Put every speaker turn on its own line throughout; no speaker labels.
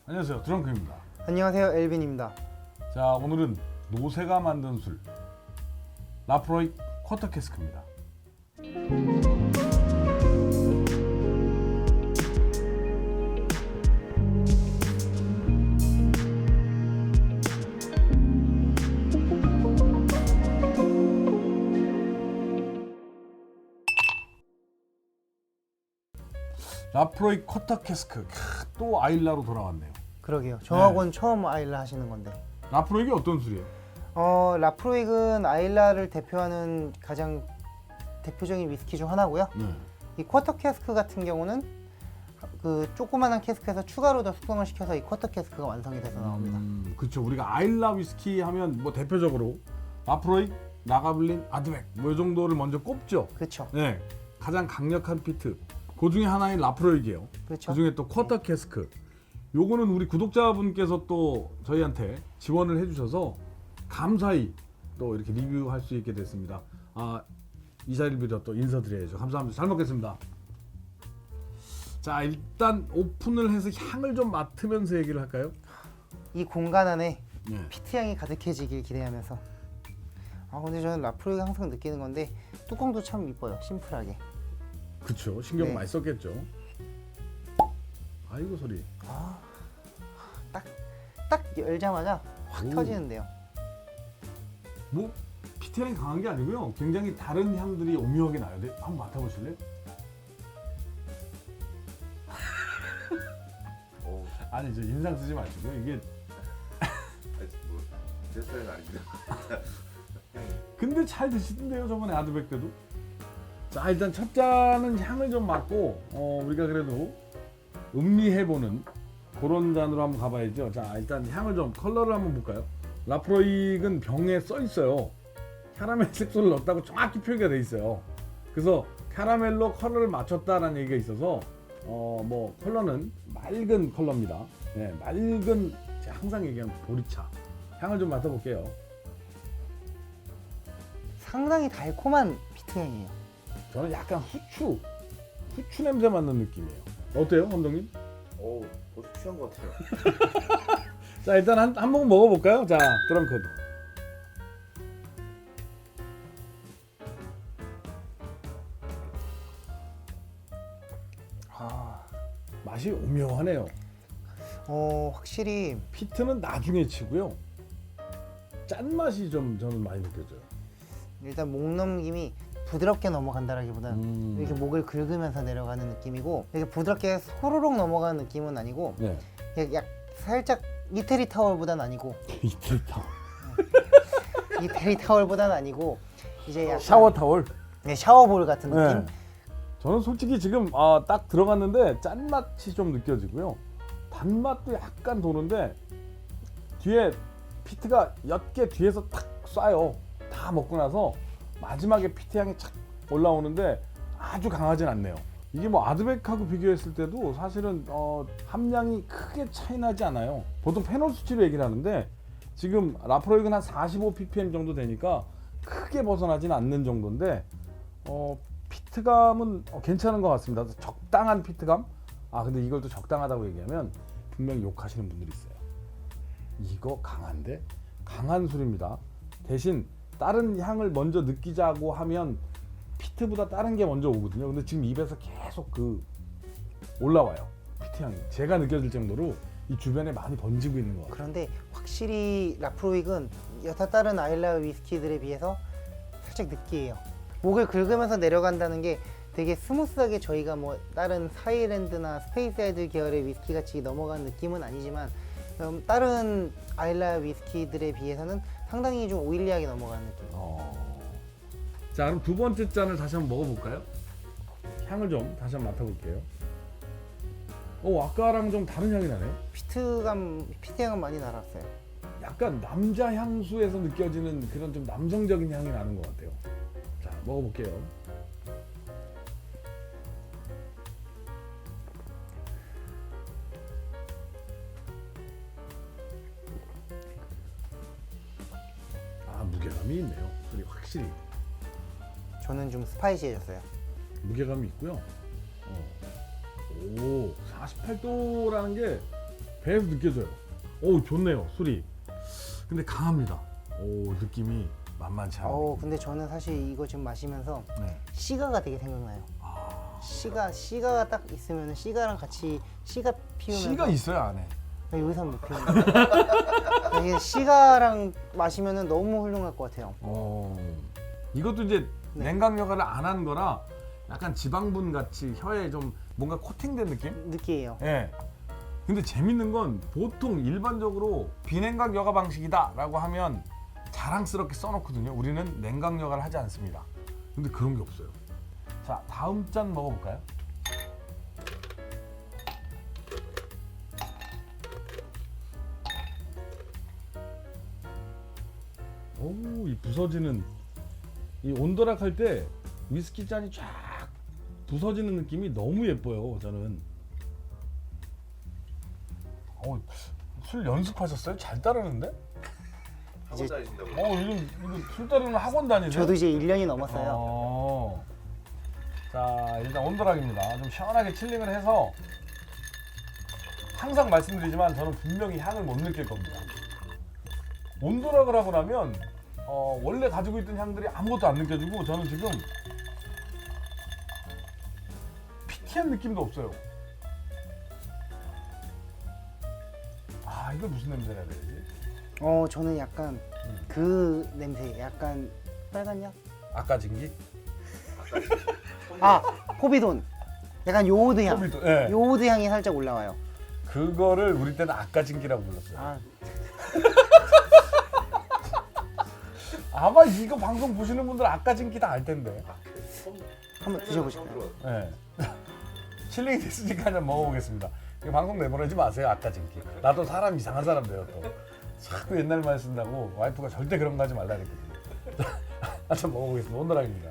안녕하세요, 드렁크입니다.
안녕하세요, 엘빈입니다.
자, 오늘은 노세가 만든 술 라프로이 쿼터 캐스크입니다. 라프로이 쿼터 캐스크, 또 아일라로 돌아왔네요.
그러게요. 정학원 처음 아일라 하시는 건데.
라프로이가 어떤 술이에요?
라프로익은 아일라를 대표하는 가장 대표적인 위스키 중 하나고요. 이 쿼터 캐스크 같은 경우는 그 조그만한 캐스크에서 추가로 더 숙성을 시켜서 이 쿼터 캐스크가 완성이 돼서 나옵니다.
그렇죠. 우리가 아일라 위스키 하면 뭐 대표적으로 라프로이, 라가블린, 아드백 뭐 이 정도를 먼저 꼽죠.
그렇죠.
네, 가장 강력한 피트. 그 중에 하나인 라프로이기예요.
그렇죠.
그 중에 또 쿼터 캐스크. 요거는 우리 구독자분께서 또 저희한테 지원을 해주셔서 감사히 또 이렇게 리뷰할 수 있게 됐습니다. 이 자리를 빌어 또 인사드려야죠. 감사합니다. 잘 먹겠습니다. 자, 일단 오픈을 해서 향을 좀 맡으면서 얘기를 할까요?
이 공간 안에
네.
피트 향이 가득해지길 기대하면서. 근데 저는 라프로익 항상 느끼는 건데 뚜껑도 참 이뻐요. 심플하게.
그쵸. 신경
네.
많이 썼겠죠. 아이고 소리.
딱 열자마자 확
오.
터지는데요.
뭐 피트향이 강한 게 아니고요. 굉장히 다른 향들이 오묘하게 나요. 네, 한번 맡아보실래요? 아니, 저 인상 쓰지 마시고요. 이게
제 스타일은 아니고요.
근데 잘 드시던데요, 저번에 아드백 때도. 자, 일단 첫 잔은 향을 좀 맡고 우리가 그래도 음미해보는 그런 잔으로 한번 가봐야죠. 자, 일단 향을 좀, 컬러를 한번 볼까요? 라프로익은 병에 써 있어요. 캐러멜 색소를 넣었다고 정확히 표기가 돼 있어요. 그래서 캐러멜로 컬러를 맞췄다라는 얘기가 있어서 뭐 컬러는 맑은 컬러입니다. 네, 맑은, 제가 항상 얘기하는 보리차. 향을 좀 맡아볼게요.
상당히 달콤한 피트 향이에요.
저는 약간 후추 냄새 맡는 느낌이에요. 어때요, 감독님?
벌써 취한 것 같아요.
자, 일단 한 모금 먹어볼까요? 자, 드렁큰. 맛이 오묘하네요.
확실히
피트는 나중에 치고요. 짠맛이 좀 저는 많이 느껴져요.
일단 목 넘김이 부드럽게 넘어간다라기보다는 이렇게 목을 긁으면서 내려가는 느낌이고, 이렇게 부드럽게 소로록 넘어가는 느낌은 아니고,
네.
살짝 이태리 타월보다는 아니고,
이틀타.
이태리 타월보다는 아니고 이제 약간
샤워 타월.
네, 샤워볼 같은 느낌.
네. 저는 솔직히 지금 딱 들어갔는데 짠맛이 좀 느껴지고요. 단맛도 약간 도는데 뒤에 피트가 옅게 뒤에서 탁 쏴요. 다 먹고 나서 마지막에 피트 향이 착 올라오는데 아주 강하진 않네요. 이게 뭐 아드백하고 비교했을 때도 사실은 함량이 크게 차이 나지 않아요. 보통 페놀 수치로 얘기를 하는데 지금 라프로익은 한 45ppm 정도 되니까 크게 벗어나지는 않는 정도인데 피트감은 괜찮은 것 같습니다. 적당한 피트감. 근데 이걸 또 적당하다고 얘기하면 분명히 욕하시는 분들이 있어요. 이거 강한데? 강한 술입니다. 대신 다른 향을 먼저 느끼자고 하면 피트보다 다른 게 먼저 오거든요. 근데 지금 입에서 계속 올라와요. 피트 향이. 제가 느껴질 정도로 이 주변에 많이 번지고 있는 것 같아요.
그런데 확실히 라프로익은 여타 다른 아일라 위스키들에 비해서 살짝 느끼해요. 목을 긁으면서 내려간다는 게 되게 스무스하게, 저희가 뭐 다른 사이랜드나 스페이스아이들 계열의 위스키 같이 넘어가는 느낌은 아니지만 다른 아일라 위스키들에 비해서는 상당히 좀 오일리하게 넘어가는 느낌.
자, 그럼 두 번째 잔을 다시 한번 먹어볼까요? 향을 좀 다시 한번 맡아볼게요. 아까랑 좀 다른 향이 나네요.
피트 향은 많이 날았어요.
약간 남자 향수에서 느껴지는 그런 좀 남성적인 향이 나는 것 같아요. 자, 먹어볼게요. 무게감이 있네요. 소리 확실히
저는 좀 스파이시해졌어요.
무게감이 있고요. 오, 48도라는 게 배에서 느껴져요. 오, 좋네요, 술이. 근데 강합니다. 오, 느낌이 만만치 않아요.
근데 저는 사실 이거 지금 마시면서
네.
시가가 되게 생각나요.
아,
시가가 딱 있으면 시가랑 같이 시가 피우면서
씨가 있어요 안에.
여기서 못 피우는 이게 시가랑 마시면은 너무 훌륭할 것 같아요.
이것도 이제
네.
냉각 여과를 안 한 거라 약간 지방분 같이 혀에 좀 뭔가 코팅된 느낌?
느끼해요.
예. 근데 재밌는 건 보통 일반적으로 비냉각 여과 방식이다라고 하면 자랑스럽게 써놓거든요. 우리는 냉각 여과를 하지 않습니다. 근데 그런 게 없어요. 자, 다음 잔 먹어볼까요? 오, 이 부서지는 이 온도락 할 때 위스키 잔이 쫙 부서지는 느낌이 너무 예뻐요. 저는. 술 연습하셨어요? 잘 따르는데?
학원 다니신다고.
이거 술 따르는 학원 다니세요?
저도 이제 1년이 넘었어요.
자, 일단 온도락입니다. 좀 시원하게 칠링을 해서 항상 말씀드리지만 저는 분명히 향을 못 느낄 겁니다. 온도락을 하고 나면 원래 가지고 있던 향들이 아무것도 안 느껴지고 저는 지금 피티한 느낌도 없어요. 이걸 무슨 냄새라 해야 되지?
저는 약간 그 냄새, 약간 빨간 약?
아까 진기?
포비돈. 약간 요오드 향.
포비돈, 예.
요오드 향이 살짝 올라와요.
그거를 우리 때는 아까 진기라고 불렀어요. 아마 이거 방송 보시는 분들 아까 진기 다 알 텐데.
한번 드셔보실까요?
네. 칠링이 됐으니까 한번 먹어보겠습니다. 이거 방송 내보내지 마세요. 아까 진기. 나도 사람 이상한 사람 돼요 또. 자꾸 옛날 말 쓴다고 와이프가 절대 그런 거 하지 말라 그랬거든요. 한번 먹어보겠습니다. 온도락입니다.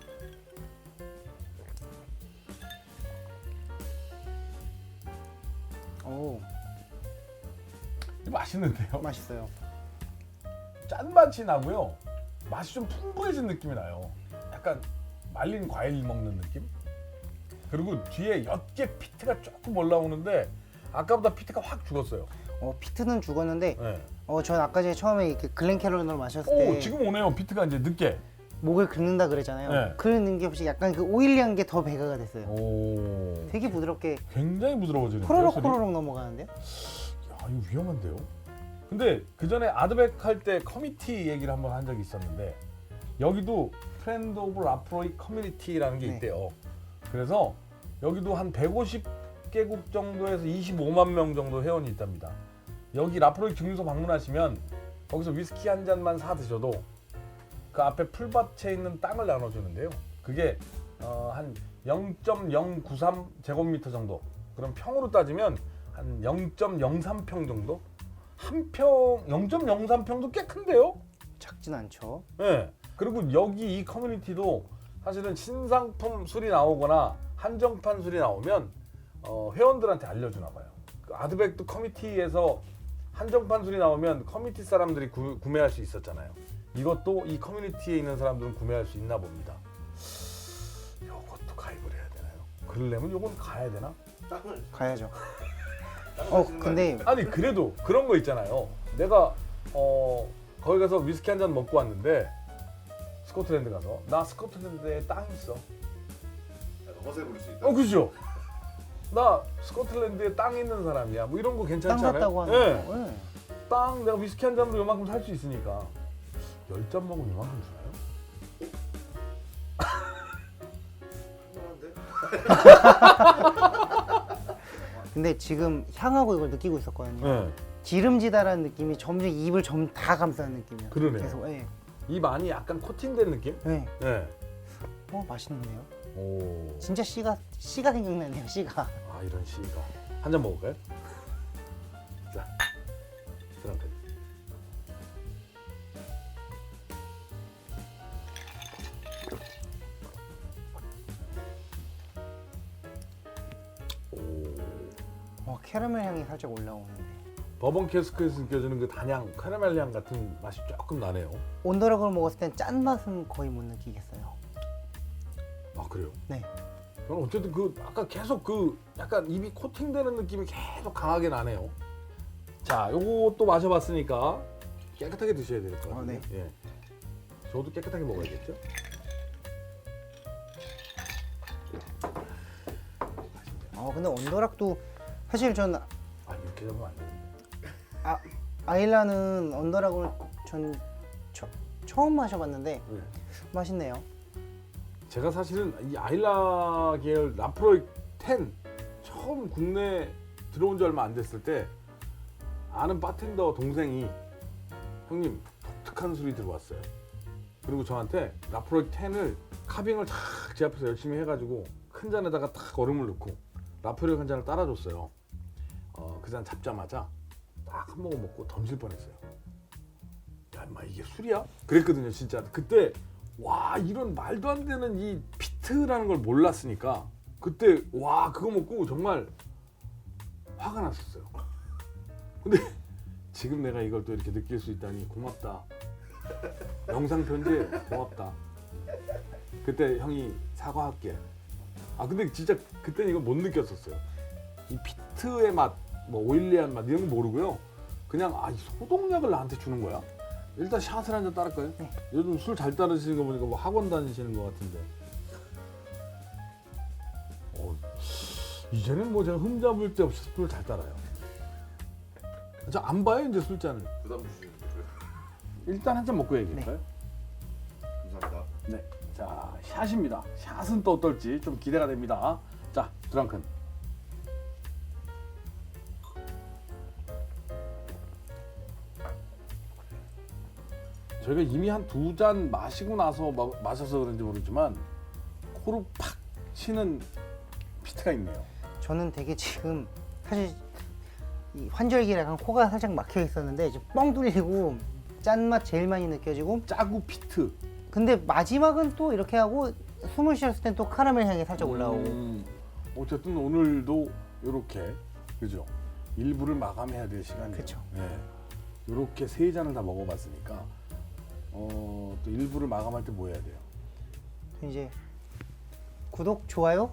오,
이거 맛있는데요?
맛있어요.
짠맛이 나고요. 맛이 좀 풍부해진 느낌이 나요. 약간 말린 과일 먹는 느낌? 그리고 뒤에 옅게 피트가 조금 올라오는데 아까보다 피트가 확 죽었어요.
피트는 죽었는데
네.
전 아까 전에 처음에 이렇게 글렌캐롤을 마셨을
오,
때
지금 오네요. 피트가 이제 늦게.
목을 긁는다 그랬잖아요.
네.
그런 게 없이 약간 그 오일리한 게 더 배가가 됐어요.
오,
되게 부드럽게
굉장히 부드러워지는데요.
호로록
술이?
호로록 넘어가는데요.
야, 이거 위험한데요. 근데 그 전에 아드백 할 때 커뮤니티 얘기를 한번 한 적이 있었는데 여기도 프렌드 오브 라프로이 커뮤니티라는 게
네.
있대요. 그래서 여기도 한 150개국 정도에서 25만 명 정도 회원이 있답니다. 여기 라프로이 증류소 방문하시면 거기서 위스키 한 잔만 사 드셔도 그 앞에 풀밭에 있는 땅을 나눠주는데요. 그게 한 0.093 제곱미터 정도. 그럼 평으로 따지면 한 0.03평 정도? 한 평 0.03평도 꽤 큰데요?
작진 않죠.
네. 그리고 여기 이 커뮤니티도 사실은 신상품 술이 나오거나 한정판 술이 나오면 회원들한테 알려주나 봐요. 그 아드백도 커뮤니티에서 한정판 술이 나오면 커뮤니티 사람들이 구매할 수 있었잖아요. 이것도 이 커뮤니티에 있는 사람들은 구매할 수 있나 봅니다. 이것도 가입을 해야 되나요? 그러려면 이건 가야 되나?
땅을
가야죠.
하시는 거
근데
아니 그래도 그런 거 있잖아요. 내가 거기 가서 위스키 한 잔 먹고 왔는데 스코틀랜드 가서 나 스코틀랜드에 땅 있어.
아니에요? 허세 부릴 수 있다.
그죠? 나 스코틀랜드에 땅 있는 사람이야. 뭐 이런 거
땅
괜찮지 않아요?
같다고 하는
네.
거. 네.
땅 내가 위스키 한 잔으로 요만큼 살 수 있으니까 10잔 먹으면 요만큼 주나요?
할만한데?
근데 지금 향하고 이걸 느끼고 있었거든요.
네.
기름지다라는 느낌이 점점 입을 다 감싸는 느낌이에요.
그러네요.
계속. 예.
입 안이 약간 코팅된 느낌?
네.
네.
맛있는데요.
오.
진짜 씨가 생각나네요. 씨가.
이런 시가 한 잔 먹을까요? 자, 드럼펫.
캐러멜 향이 살짝 올라오는데.
버번 캐스크에서 느껴지는 그 단향, 카라멜 향 같은 맛이 조금 나네요.
온더락을 먹었을 땐 짠 맛은 거의 못 느끼겠어요.
그래요?
네.
저는 어쨌든 아까 계속 약간 입이 코팅되는 느낌이 계속 강하게 나네요. 자, 요것도 마셔봤으니까 깨끗하게 드셔야 될 것 같아요.
네.
예. 저도 깨끗하게 먹어야겠죠?
근데 언더락도 사실 전
아, 이렇게 잡으면 안 되는데.
아일라는 언더락을 전 처음 마셔봤는데
네.
맛있네요.
제가 사실은 이 아일라 계열 라프로이 10 처음 국내 들어온 지 얼마 안 됐을 때 아는 바텐더 동생이 형님 독특한 술이 들어왔어요. 그리고 저한테 라프로이 10을 카빙을 탁 제 앞에서 열심히 해가지고 큰 잔에다가 탁 얼음을 넣고 라프로이 한 잔을 따라줬어요. 그 잔 잡자마자 딱 한 모금 먹고 덤질 뻔했어요. 야, 인마 이게 술이야? 그랬거든요, 진짜. 그때 와, 이런 말도 안 되는 이 피트라는 걸 몰랐으니까 그때 와, 그거 먹고 정말 화가 났었어요. 근데 지금 내가 이걸 또 이렇게 느낄 수 있다니 고맙다. 영상 편지 고맙다. 그때 형이 사과할게. 근데 진짜 그때는 이걸 못 느꼈었어요. 이 피트의 맛, 뭐 오일리한 맛 이런 거 모르고요. 그냥 이 소독약을 나한테 주는 거야. 일단 샷을 한 잔 따를까요?
네.
요즘 술 잘 따르시는 거 보니까 뭐 학원 다니시는 것 같은데. 이제는 뭐 제가 흠잡을 데 없이 술을 잘 따라요. 저 안 봐요 이제 술잔을.
부담 주시는 거죠?
일단 한 잔 먹고 얘기할까요?
감사합니다.
네. 자, 샷입니다. 샷은 또 어떨지 좀 기대가 됩니다. 자, 드랑큰. 저희가 이미 한 2잔 마시고 나서 마셔서 그런지 모르지만 코로 팍 치는 피트가 있네요.
저는 되게 지금 사실 이 환절기라 약간 코가 살짝 막혀 있었는데 이제 뻥 뚫리고 짠맛 제일 많이 느껴지고,
짜구 피트.
근데 마지막은 또 이렇게 하고 숨을 쉬었을 땐 또 카라멜 향이 살짝 올라오고.
어쨌든 오늘도 이렇게 그죠? 일부를 마감해야 될 시간이에요.
그쵸.
네. 이렇게 3잔을 다 먹어봤으니까 또 일부를 마감할 때 뭐 해야 돼요?
이제 구독, 좋아요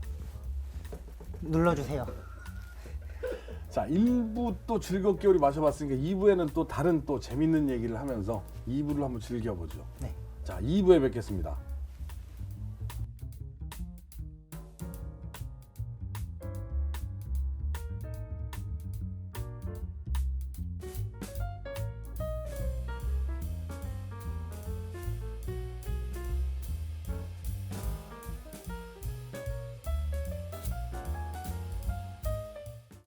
눌러주세요.
자, 1부 또 즐겁게 우리 마셔봤으니까 2부에는 또 다른 또 재밌는 얘기를 하면서 2부를 한번 즐겨보죠.
네.
자, 2부에 뵙겠습니다.